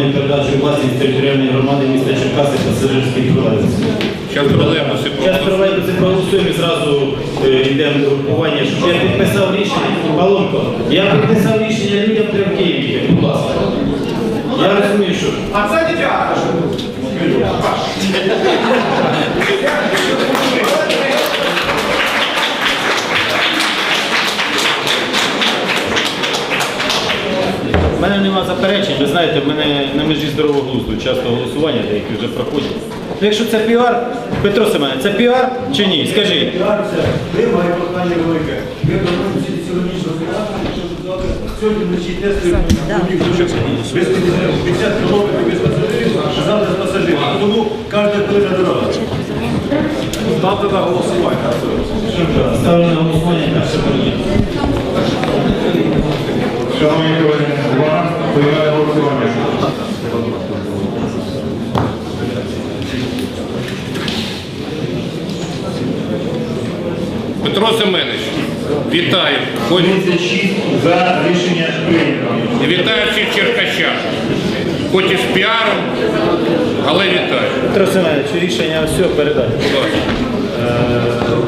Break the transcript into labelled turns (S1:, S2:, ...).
S1: на передачу власність територіальної громади міста Черкаси пасажирських тролейбусів.
S2: Зараз тролейбуси
S1: Зараз тролейбуси проголосуємо і зразу йдемо до групування. Щоб я підписав рішення, Павлонко, я підписав рішення, людям треба в Києві їхати, будь ласка. Я розумію, що...
S3: А це не театр.
S1: У мене нема заперечень, ви знаєте, в мене на межі здорового глузду часто голосування, деякі вже проходять. Ну, якщо це піар, Петро Семенович, це піар чи ні? Скажіть.
S4: Піар це має прохання велике. Ми проводимо всі сьогоднішні операції, щоб сьогодні вночі тестуємо без 50 кілометрів без пасажирів, а завтра з пасажирів. Тому кожна хвилина дорога. Ставте на голосування.
S1: Ставлю на голосування перше питання.
S5: Шановні колеги, увага, поєднання голосування.
S2: Петро Семенович, вітаю.
S5: 36 за рішення прийнято.
S2: І вітаю всіх черкащан. Хоч і з піаром, але вітаю.
S1: Петро Семенович, рішення все передати.
S2: Будь ласка.